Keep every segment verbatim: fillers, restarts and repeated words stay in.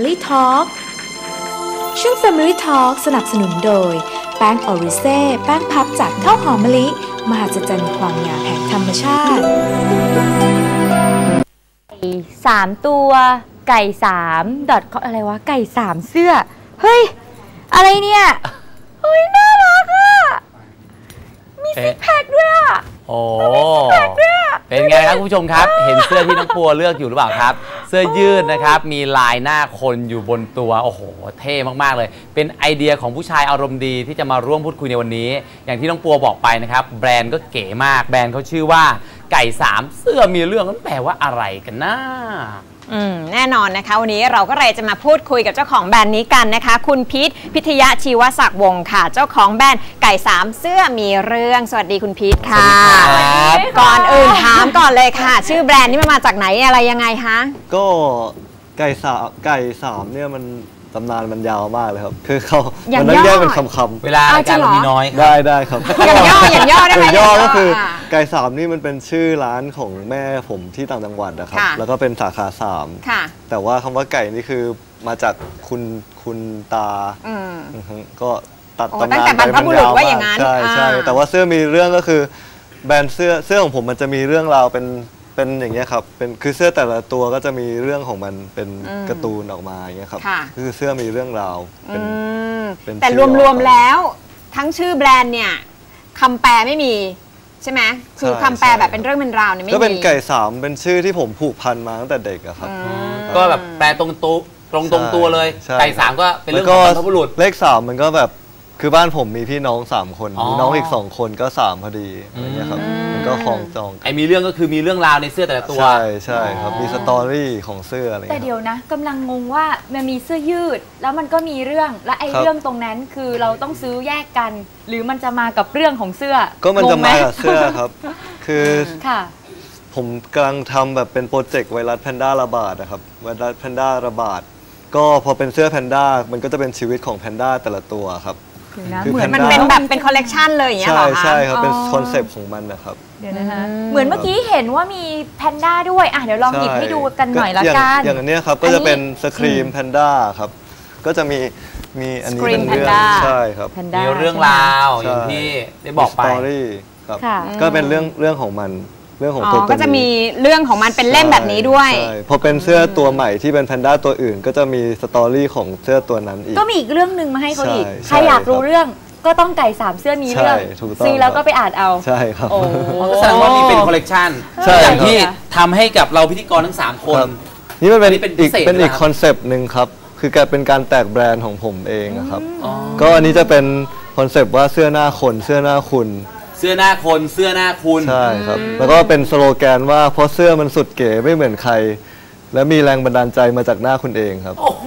Family Talk ช่วง Family Talk สนับสนุนโดยแป้งออริเซ่แป้งพับจากข้าวหอมมะลิมหัศจรรย์ความงามแห่งธรรมชาติสามตัวไก่สามดอทอะไรวะไก่สามเสื้อเฮ้ยอะไรเนี่ยเฮ้ยน่ารักอ่ะมีซิกแพคด้วยอ่ะโอ้เป็นไงครับคุณผู้ชมครับเห็นเสื้อที่น้องปัวเลือกอยู่หรือเปล่าครับเสื้อยืดนะครับมีลายหน้าคนอยู่บนตัวโอ้โหเท่มากๆเลยเป็นไอเดียของผู้ชายอารมณ์ดีที่จะมาร่วมพูดคุยในวันนี้อย่างที่น้องปัวบอกไปนะครับแบรนด์ก็เก๋มากแบรนด์เขาชื่อว่าไก่สามเสื้อมีเรื่องนั้นแปลว่าอะไรกันนะอืมแน่นอนนะคะวันนี้เราก็เลยจะมาพูดคุยกับเจ้าของแบรนด์นี้กันนะคะคุณพีทพิทยะชีวศักดิ์วงศ์ค่ะเจ้าของแบรนด์ไก่สามเสื้อมีเรื่องสวัสดีคุณพีทค่ะก่อนอื่นถามก่อนเลยค่ะชื่อแบรนด์นี้มันมาจากไหนอะไรยังไงคะก็ไก่สามไก่สามเนี่ยมันตำนานมันยาวมากเลยครับคือเขามันต้องแยกเป็นคำๆเวลาการมีน้อยได้ได้ครับอย่างย่ออย่างย่อได้ไหมย่อก็คือไก่สามนี่มันเป็นชื่อร้านของแม่ผมที่ต่างจังหวัดนะครับแล้วก็เป็นสาขาสามแต่ว่าคำว่าไก่นี่คือมาจากคุณคุณตาก็ตัดตำนานไปมันยาวมากใช่ใช่แต่ว่าเสื้อมีเรื่องก็คือแบรนด์เสื้อเสื้อของผมมันจะมีเรื่องราวเป็นเป็นอย่างเงี้ยครับเป็นคือเสื้อแต่ละตัวก็จะมีเรื่องของมันเป็นการ์ตูนออกมาอย่างเงี้ยครับคือเสื้อมีเรื่องราวเป็นแต่รวมๆแล้วทั้งชื่อแบรนด์เนี่ยคำแปลไม่มีใช่ไหมคือคำแปลแบบเป็นเรื่องเป็นราวเนี่ยไม่มีก็เป็นไก่สามเป็นชื่อที่ผมผูกพันมาตั้งแต่เด็กอะครับก็แบบแปลตรงตัวตรงตรงตัวเลยไก่สามก็เป็นเรื่องของบรรพบุรุษเลขสามมันก็แบบคือบ้านผมมีพี่น้องสามคนมีน้องอีกสองคนก็สามพอดีอะไรเงี้ยครับมันก็คล้องจองไอ้มีเรื่องก็คือมีเรื่องราวในเสื้อแต่ละตัวใช่ใช่ครับมีสตอรี่ของเสื้ออะไรแต่เดี๋ยวนะกำลังงงว่ามันมีเสื้อยืดแล้วมันก็มีเรื่องและไอ้เรื่องตรงนั้นคือเราต้องซื้อแยกกันหรือมันจะมากับเรื่องของเสื้อก็มันจะมากับเสื้อครับคือค่ะผมกำลังทำแบบเป็นโปรเจกต์ไวรัสแพนด้าระบาดนะครับไวรัสแพนด้าระบาดก็พอเป็นเสื้อแพนด้ามันก็จะเป็นชีวิตของแพนด้าแต่ละตัวครับเหมือนมันเป็นแบบเป็นคอลเลกชันเลยอย่างเงี้ยหรอคะใช่ใช่ครับเป็นคอนเซปต์ของมันนะครับเดี๋ยวนะคะเหมือนเมื่อกี้เห็นว่ามีแพนด้าด้วยอ่ะเดี๋ยวลองหยิบให้ดูกันหน่อยละกันอย่างอันนี้ครับก็จะเป็นสครีมแพนด้าครับก็จะมีมีอันนี้เป็นเรื่องใช่ครับมีเรื่องราวอย่างที่ได้บอกไปสตอรี่ครับก็เป็นเรื่องเรื่องของมันเรื่องของตัวก็จะมีเรื่องของมันเป็นเล่มแบบนี้ด้วยพอเป็นเสื้อตัวใหม่ที่เป็นแพนด้าตัวอื่นก็จะมีสตอรี่ของเสื้อตัวนั้นอีกก็มีอีกเรื่องหนึ่งมาให้เขาอีกใครอยากรู้เรื่องก็ต้องไก่สามเสื้อมีเรื่องซื้อแล้วก็ไปอ่านเอาใช่ครับโอ้แสดงว่ามีเป็นคอลเลกชันอย่างที่ทำให้กับเราพิธีกรทั้งสามคนนี่มันเป็นอีกเป็นอีกคอนเซปต์หนึ่งครับคือการเป็นการแตกแบรนด์ของผมเองครับก็อันนี้จะเป็นคอนเซปต์ว่าเสื้อหน้าคนเสื้อหน้าคุณเสื้อหน้าคนเสื้อหน้าคุณใช่ครับแล้วก็เป็นสโลแกนว่าเพราะเสื้อมันสุดเก๋ไม่เหมือนใครและมีแรงบันดาลใจมาจากหน้าคุณเองครับโอ้โห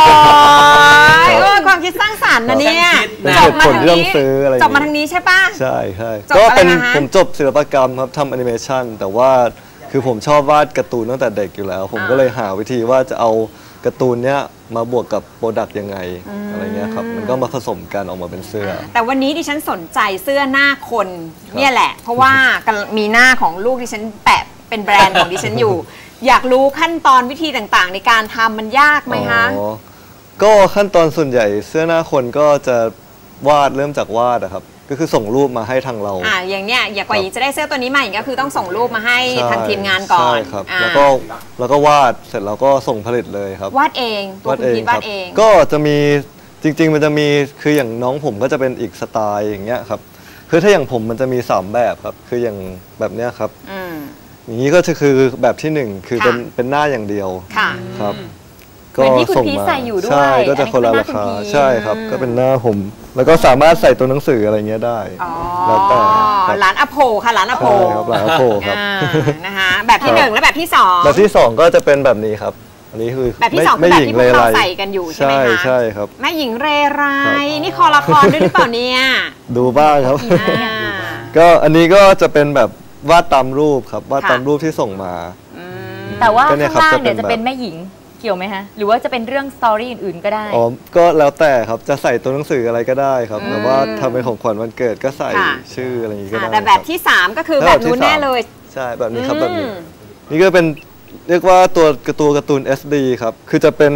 ความคิดสร้างสรรค์นะเนี่ยจบผลเรื่องซื้ออะไรจบมาทางนี้ใช่ปะใช่ใช่ก็เป็นผมจบศิลปกรรมครับทำแอนิเมชันแต่ว่าคือผมชอบวาดการ์ตูนตั้งแต่เด็กอยู่แล้วผมก็เลยหาวิธีว่าจะเอาการ์ตูนเนี้ยมาบวกกับโปรดักต์ยังไงอะไรเงี้ยครับมันก็มาผสมกันออกมาเป็นเสื้อแต่วันนี้ดิฉันสนใจเสื้อหน้าคนเนี่ยแหละเพราะว่ามีหน้าของลูกดิฉันแปะเป็นแบรนด์ของดิฉันอยู่อยากรู้ขั้นตอนวิธีต่างๆในการทำมันยากไหมคะก็ขั้นตอนส่วนใหญ่เสื้อหน้าคนก็จะวาดเริ่มจากวาดนะครับก็คือส่งรูปมาให้ทางเราอ่าอย่างเนี้ยอยากกว่าจะได้เสื้อตัวนี้มาอย่างก็คือต้องส่งรูปมาให้ทางทีมงานก่อนใช่ครับแล้วก็แล้วก็วาดเสร็จแล้วก็ส่งผลิตเลยครับวาดเองตัวคุณพีทวาดเองก็จะมีจริงๆมันจะมีคืออย่างน้องผมก็จะเป็นอีกสไตล์อย่างเงี้ยครับคือถ้าอย่างผมมันจะมีสามแบบครับคืออย่างแบบเนี้ยครับอย่างนี้ก็จะคือแบบที่หนึ่งคือเป็นเป็นหน้าอย่างเดียวครับก็ส่งมาใช่ก็จะคนละราคาใช่ครับก็เป็นหน้าผมแล้วก็สามารถใส่ตัวหนังสืออะไรเงี้ยได้แล้วแต่ร้านอโพค่ะร้านอโพครับร้านอโพครับนะคะแบบที่หนึ่งและแบบที่สองแบบที่สองก็จะเป็นแบบนี้ครับอันนี้คือแบบที่สองคือแบบที่พวกเราใส่กันอยู่ใช่ไหมคะใช่ครับแม่หญิงเรไรนี่คอละครด้วยหรือเปล่าเนี่ยดูบ้างครับก็อันนี้ก็จะเป็นแบบวาดตามรูปครับวาดตามรูปที่ส่งมาแต่ว่าข้างล่างเนี่ยจะเป็นแม่หญิงเกี่ยวไหมฮะหรือว่าจะเป็นเรื่องสตอรี่อื่นๆก็ได้อ๋อก็แล้วแต่ครับจะใส่ตัวหนังสืออะไรก็ได้ครับแต่ว่าทำเป็นของขวัญวันเกิดก็ใส่ชื่ออะไรอย่างนี้ก็ได้แต่แบบที่สามก็คือแบบนู้นแน่เลยใช่แบบนี้ครับแบบนี้นี่ก็เป็นเรียกว่าตัวการ์ตูนการ์ตูน เอส ดี ครับคือจะเป็น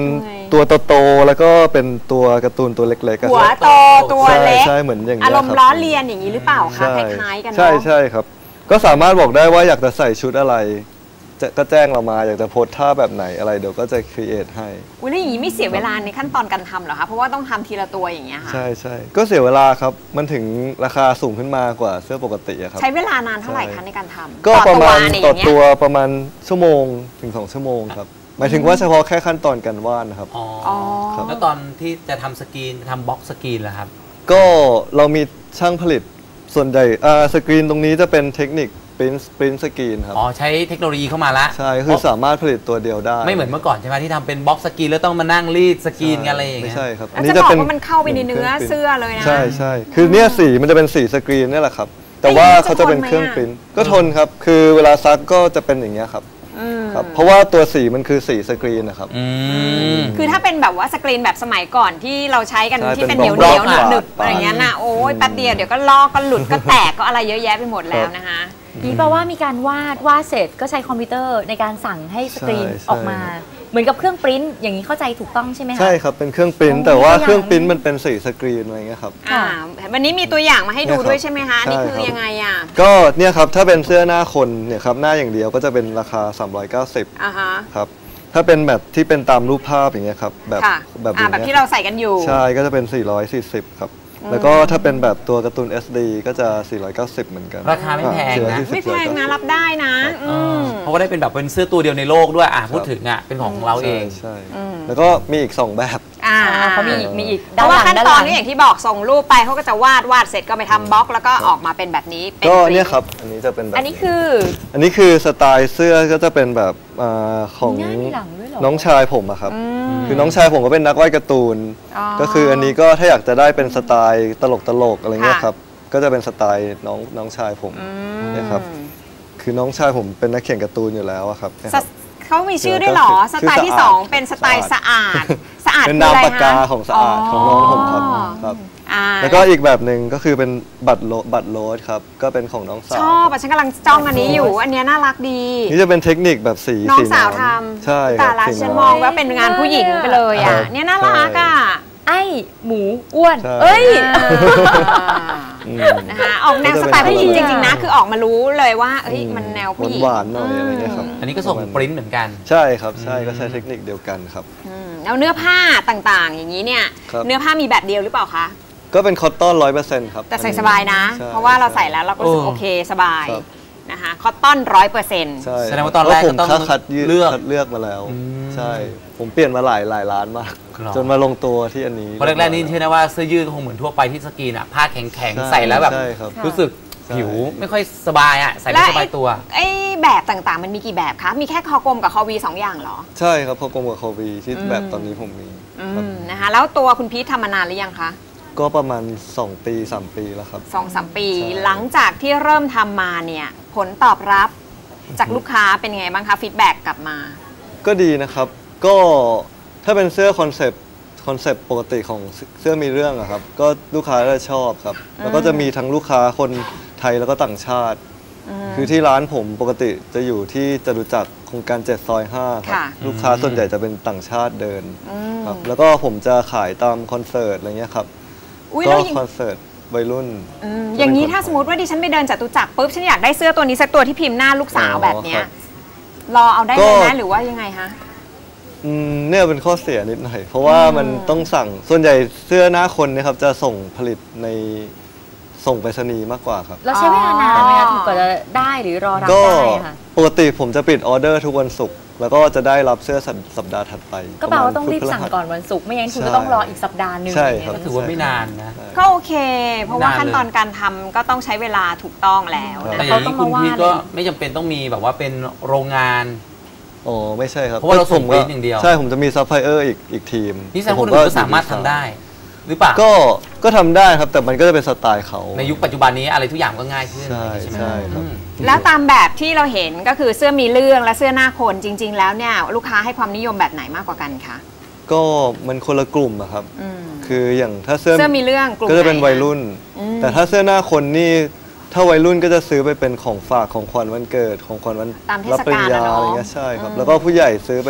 ตัวโตๆแล้วก็เป็นตัวการ์ตูนตัวเล็กๆหัวโตตัวเล็กใช่เหมือนอย่างนี้อารมณ์ล้อเลียนอย่างนี้หรือเปล่าคะคล้ายๆกันเนาะใช่ใช่ครับก็สามารถบอกได้ว่าอยากจะใส่ชุดอะไรจะก็แจ้งเรามาอยากจะโพสท่าแบบไหนอะไรเดี๋ยวก็จะครีเอทให้อุ้ยแล้วอย่างนี้ไม่เสียเวลาในขั้นตอนการทำเหรอคะเพราะว่าต้องทำทีละตัวอย่างเงี้ยค่ะใช่ใช่ก็เสียเวลาครับมันถึงราคาสูงขึ้นมากว่าเสื้อปกติครับใช้เวลานานเท่าไหร่คะในการทำก็ประมาณต่อตัวประมาณชั่วโมงถึงสองชั่วโมงครับหมายถึงว่าเฉพาะแค่ขั้นตอนการวาดนะครับอ๋อแล้วตอนที่จะทำสกรีนทำบล็อกสกรีนล่ะครับก็เรามีช่างผลิตส่วนใหญ่สกรีนตรงนี้จะเป็นเทคนิคปริ้นปริ้นสกรีนครับอ๋อใช้เทคโนโลยีเข้ามาละใช่คือสามารถผลิตตัวเดียวได้ไม่เหมือนเมื่อก่อนใช่ไหมที่ทำเป็นบล็อกสกรีนแล้วต้องมานั่งรีดสกรีนกันอะไรอย่างเงี้ยไม่ใช่ครับอันนี้จะบอกว่ามันเข้าไปในเนื้อเสื้อเลยนะใช่ใช่คือเนี่ยสีมันจะเป็นสีสกรีนนี่แหละครับแต่ว่าเขาจะเป็นเครื่องปริ้นก็ทนครับคือเวลาซักก็จะเป็นอย่างเงี้ยครับครับเพราะว่าตัวสีมันคือสีสกรีนนะครับคือถ้าเป็นแบบว่าสกรีนแบบสมัยก่อนที่เราใช้กันที่เป็นเหนียวเหนียวหนึบหนึบอะไรเงี้ยนะโอ้ยแป๊บเดียวเดี๋ยวก็ลอกก็หลุดก็แตกก็อะไรเยอะแยะไปหมดแล้วนะคะนี่แปลว่ามีการวาดวาดเสร็จก็ใช้คอมพิวเตอร์ในการสั่งให้สกรีนออกมาเหมือนกับเครื่องปริ้นอย่างนี้เข้าใจถูกต้องใช่ไหมคะใช่ครับเป็นเครื่องปริ้นแต่ว่าเครื่องปริ้นมันเป็นสีสกรีนอะไรเงี้ยครับวันนี้มีตัวอย่างมาให้ดูด้วยใช่ไหมคะนี่คือยังไงอ่ะก็เนี่ยครับถ้าเป็นเสื้อหน้าคนเนี่ยครับหน้าอย่างเดียวก็จะเป็นราคาสามร้อยเก้าสิบอ่าฮะครับถ้าเป็นแบบที่เป็นตามรูปภาพอย่างเงี้ยครับแบบแบบแบบที่เราใส่กันอยู่ใช่ก็จะเป็นสี่ร้อยสี่สิบครับแล้วก็ถ้าเป็นแบบตัวการ์ตูน เอส ดี ก็จะสี่ร้อยเก้าสิบเหมือนกันราคาไม่แพงนะไม่แพงนะรับได้นะเพราะว่าได้เป็นแบบเป็นเสื้อตัวเดียวในโลกด้วยอ่ะพูดถึงอ่ะเป็นของเราเองใช่แล้วก็มีอีกสองแบบอ่าเขามีอีกมีอีกเพราะว่าขั้นตอนนี้อย่างที่บอกส่งรูปไปเขาก็จะวาดวาดเสร็จก็ไปทำบล็อกแล้วก็ออกมาเป็นแบบนี้ก็เนี่ยครับอันนี้จะเป็นแบบอันนี้คืออันนี้คือสไตล์เสื้อก็จะเป็นแบบของน้องชายผมอะครับคือน้องชายผมก็เป็นนักวาดการ์ตูนก็คืออันนี้ก็ถ้าอยากจะได้เป็นสไตล์ตลกตลกอะไรเงี้ยครับก็จะเป็นสไตล์น้องน้องชายผมนะครับคือน้องชายผมเป็นนักเขียนการ์ตูนอยู่แล้วครับเขามีชื่อด้วยหรอสไตล์ที่สองเป็นสไตล์สะอาดสะอาดเป็นนามปากกาของสะอาดของน้องผมครับครับแล้วก็อีกแบบหนึ่งก็คือเป็นบัตรโลบัตรโรสครับก็เป็นของน้องสาวชอบฉันกำลังจ้องอันนี้อยู่อันนี้น่ารักดีนี่จะเป็นเทคนิคแบบสีน้องสาวทำใช่แต่ละฉันมองว่าเป็นงานผู้หญิงไปเลยอ่ะเนี่ยน่ารักอ่ะไอ้หมูอ้วนเอ้ยนะคะออกแนวสไตล์ผู้หญิงจริงๆนะคือออกมารู้เลยว่าเอ้ยมันแนวผู้หญิงหวานหน่อยอะไรเงี้ยครับอันนี้ก็ส่งปริ้นเหมือนกันใช่ครับใช่ก็ใช้เทคนิคเดียวกันครับแล้วเนื้อผ้าต่างๆอย่างนี้เนี่ยเนื้อผ้ามีแบบเดียวหรือเปล่าคะก็เป็นคอตตอนร้อยเปอร์เซ็นต์ครับแต่ใส่สบายนะเพราะว่าเราใส่แล้วเราก็รู้สึกโอเคสบายนะคะคอตตอนร้อยเปอร์เซ็นต์แสดงว่าตอนแรกผมคัดเลือกเลือกมาแล้วใช่ผมเปลี่ยนมาหลายหลายร้านมากจนมาลงตัวที่อันนี้เพราะแรกๆนี่เชื่อนะว่าเสื้อยืดคงเหมือนทั่วไปที่สกรีนอ่ะผ้าแข็งๆใส่แล้วแบบรู้สึกผิวไม่ค่อยสบายอ่ะใส่ไม่สบายตัวไอ้แบบต่างๆมันมีกี่แบบคะมีแค่คอกลมกับคอวีสองอย่างเหรอใช่ครับคอกลมกับคอวีที่แบบตอนนี้ผมมีนะคะแล้วตัวคุณพีททำมานานหรือยังคะก็ประมาณสองปีสามปีแล้วครับสองสามปีหลังจากที่เริ่มทำมาเนี่ยผลตอบรับจากลูกค้าเป็นไงบ้างคะฟีดแบ็กกลับมาก็ดีนะครับก็ถ้าเป็นเสื้อคอนเซปต์คอนเซปต์ปกติของเสื้อมีเรื่องอะครับก็ลูกค้าก็ชอบครับแล้วก็จะมีทั้งลูกค้าคนไทยแล้วก็ต่างชาติคือที่ร้านผมปกติจะอยู่ที่จตุจักรโครงการเจ็ดซอยห้าครับลูกค้าส่วนใหญ่จะเป็นต่างชาติเดินครับแล้วก็ผมจะขายตามคอนเสิร์ตอะไรเงี้ยครับก็คอนเสิร์ตวัยรุ่นอย่างนี้ถ้าสมมติว่าดิฉันไปเดินจตุจักรปุ๊บฉันอยากได้เสื้อตัวนี้สักตัวที่พิมพ์หน้าลูกสาวแบบเนี้ยรอเอาได้เลยนะหรือว่ายังไงคะเนี่ยเป็นข้อเสียนิดหน่อยเพราะว่ามันต้องสั่งส่วนใหญ่เสื้อหน้าคนเนี่ยครับจะส่งผลิตในส่งไปรษณีย์มากกว่าครับเราใช้เวลานานไหมคะถึงกว่าจะได้หรือรอรับได้ค่ะปกติผมจะปิดออเดอร์ทุกวันศุกร์แล้วก็จะได้รับเสื้อสัปดาห์ถัดไปก็แปลว่าต้องรีบสั่งก่อนวันศุกร์ไม่งั้นคุณก็ต้องรออีกสัปดาห์นึงใช่ครับถือว่าไม่นานนะก็โอเคเพราะว่าขั้นตอนการทำก็ต้องใช้เวลาถูกต้องแล้วแต่อย่างนี้คุณพี่ก็ไม่จำเป็นต้องมีแบบว่าเป็นโรงงานโอ้ไม่ใช่ครับเพราะว่าเราส่งปริ้นอย่างเดียวใช่ผมจะมีซัพพลายเออร์อีกอีกทีมนี่แสดงว่าคนอื่นก็สามารถทำได้หรือเปล่าก็ก็ทำได้ครับแต่มันก็จะเป็นสไตล์เขาในยุคปัจจุบันนี้อะไรทุกอย่างก็ง่ายขึ้นใช่ใช่ครับแล้วตามแบบที่เราเห็นก็คือเสื้อมีเรื่องและเสื้อหน้าคนจริงๆแล้วเนี่ยลูกค้าให้ความนิยมแบบไหนมากกว่ากันคะก็มันคนละกลุ่มอะครับคืออย่างถ้าเสื้อเสื้อมีเรื่องก็จะเป็นวัยรุ่นแต่ถ้าเสื้อหน้าคนนี่ถ้าวัยรุ่นก็จะซื้อไปเป็นของฝากของขวัญวันเกิดของขวัญวันรับปริญญาอะไรเงี้ยใช่ครับแล้วก็ผู้ใหญ่ซื้อไป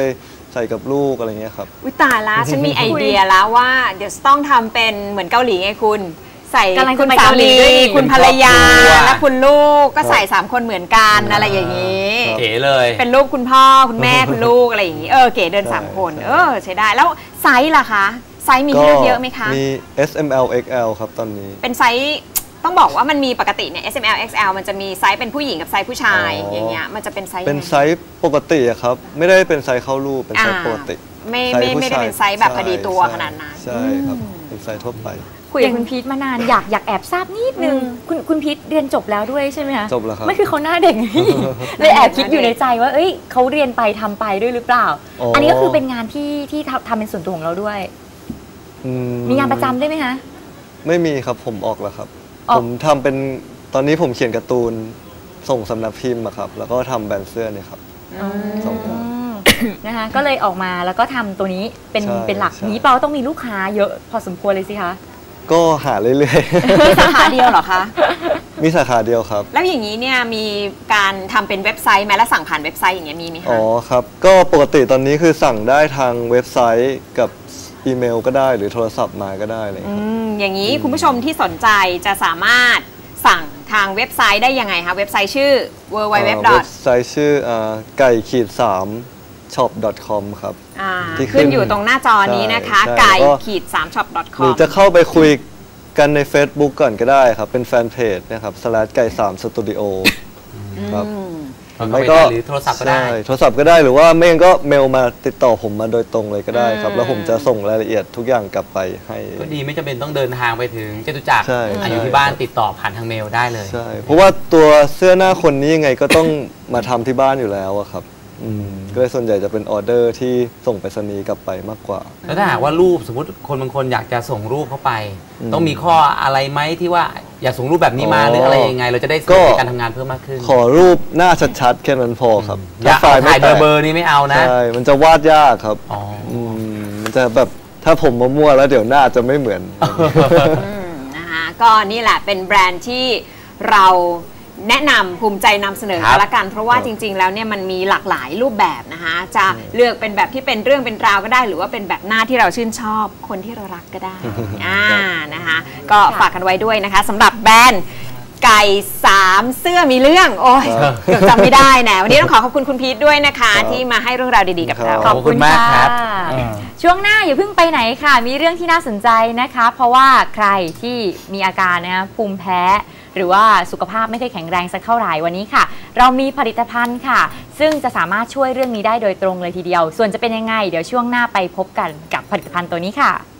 ใส่กับลูกอะไรเงี้ยครับวิตายละฉันมีไอเดียแล้วว่าเดี๋ยวต้องทำเป็นเหมือนเกาหลีไงคุณใส่คุณสามีคุณภรรยาและคุณลูกก็ใส่สามคนเหมือนกันอะไรอย่างนี้เก๋เลยเป็นรูปคุณพ่อคุณแม่คุณลูกอะไรอย่างนี้เออเก๋เดินสามคนเออใช้ได้แล้วไซส์ล่ะคะไซส์มีให้เลือกเยอะไหมคะมี เอส เอ็ม แอล เอ็กซ์ แอล ครับตอนนี้เป็นไซส์ต้องบอกว่ามันมีปกติเนี่ย เอส เอ็ม แอล เอ็กซ์ แอล มันจะมีไซส์เป็นผู้หญิงกับไซส์ผู้ชายอย่างเงี้ยมันจะเป็นไซส์เป็นไซส์ปกติอะครับไม่ได้เป็นไซส์เข้ารูปเป็นไซส์ปกติไม่ไม่ไม่ได้เป็นไซส์แบบพอดีตัวขนาดนั้นใช่ครับเป็นไซส์ทั่วไปคุยกับคุณพีทมานานอยากอยากแอบทราบนิดนึงคุณคุณพีทเรียนจบแล้วด้วยใช่ไหมคะจบแล้วครับไม่คือเขาหน้าเด็กเลยแอบคิดอยู่ในใจว่าเอ้ยเขาเรียนไปทำไปด้วยหรือเปล่าอันนี้ก็คือเป็นงานที่ที่ทำเป็นส่วนตัวของเราด้วยมีงานประจำได้ไหมคะไม่มีครับผมออกแล้วครับผมทำเป็นตอนนี้ผมเขียนการ์ตูนส่งสำนักพิมพ์ครับแล้วก็ทำแบรนด์เสื้อเนี่ยครับส่งนะคะก็เลยออกมาแล้วก็ทำตัวนี้เป็นเป็นหลักนี้เปล่าต้องมีลูกค้าเยอะพอสมควรเลยสิคะก็หาเรื่อยๆมีสาขาเดียวเหรอคะมีสาขาเดียวครับแล้วอย่างนี้เนี่ยมีการทำเป็นเว็บไซต์ไหมและสั่งผ่านเว็บไซต์อย่างเงี้ยมีไหมคะอ๋อครับก็ปกติตอนนี้คือสั่งได้ทางเว็บไซต์กับอีเมลก็ได้หรือโทรศัพท์มาก็ได้เลยครับอย่างนี้คุณผู้ชมที่สนใจจะสามารถสั่งทางเว็บไซต์ได้ยังไงคะเว็บไซต์ชื่อ ดับเบิลยู ดับเบิลยู ดับเบิลยูเว็บไซต์ชื่อไก่ขีดสามช็อป ดอท คอม ครับที่ขึ้นอยู่ตรงหน้าจอนี้นะคะไก่ขีดสามช็อป ดอท คอมหรือจะเข้าไปคุยกันใน Facebook ก่อนก็ได้ครับเป็นแฟนเพจนะครับสแลชไก่สามสตูดิโอครับไม่ก็หรือโทรศัพท์ก็ได้โทรศัพท์ก็ได้หรือว่าไม่งั้นก็เมลมาติดต่อผมมาโดยตรงเลยก็ได้ครับแล้วผมจะส่งรายละเอียดทุกอย่างกลับไปให้ก็ดีไม่จำเป็นต้องเดินทางไปถึงจตุจักรอยู่ที่บ้านติดต่อผ่านทางเมลได้เลยใช่เพราะว่าตัวเสื้อหน้าคนนี้ยังไงก็ต้องมาทำที่บ้านอยู่แล้วครับก็เลยส่วนใหญ่จะเป็นออเดอร์ที่ส่งไปรษณีย์กลับไปมากกว่าแล้วถ้าหากว่ารูปสมมติคนบางคนอยากจะส่งรูปเข้าไปต้องมีข้ออะไรไหมที่ว่าอยากส่งรูปแบบนี้มาหรืออะไรยังไงเราจะได้สะดวกในการทำงานเพิ่มมากขึ้นขอรูปหน้าชัดๆแค่นั้นพอครับอย่าถ่ายเบอร์เบอร์นี้ไม่เอานะใช่มันจะวาดยากครับมันจะแบบถ้าผมมั่วๆแล้วเดี๋ยวหน้าจะไม่เหมือนนะคะก็นี่แหละเป็นแบรนด์ที่เราแนะนำภูมิใจนำเสนอกันละกันเพราะว่าจริงๆแล้วเนี่ยมันมีหลากหลายรูปแบบนะคะจะเลือกเป็นแบบที่เป็นเรื่องเป็นราวก็ได้หรือว่าเป็นแบบหน้าที่เราชื่นชอบคนที่เรารักก็ได้อ่านะคะก็ฝากกันไว้ด้วยนะคะสำหรับแบรนด์ไก่สามเสื้อมีเรื่องโอ้ยเกือบจำไม่ได้นะวันนี้ต้องขอขอบคุณคุณพีทด้วยนะคะที่มาให้เรื่องราวดีๆกับเราขอบคุณมากครับช่วงหน้าอย่าเพิ่งไปไหนค่ะมีเรื่องที่น่าสนใจนะคะเพราะว่าใครที่มีอาการนะภูมิแพ้หรือว่าสุขภาพไม่ค่อยแข็งแรงสักเท่าไหร่วันนี้ค่ะเรามีผลิตภัณฑ์ค่ะซึ่งจะสามารถช่วยเรื่องนี้ได้โดยตรงเลยทีเดียวส่วนจะเป็นยังไงเดี๋ยวช่วงหน้าไปพบกันกับผลิตภัณฑ์ตัวนี้ค่ะ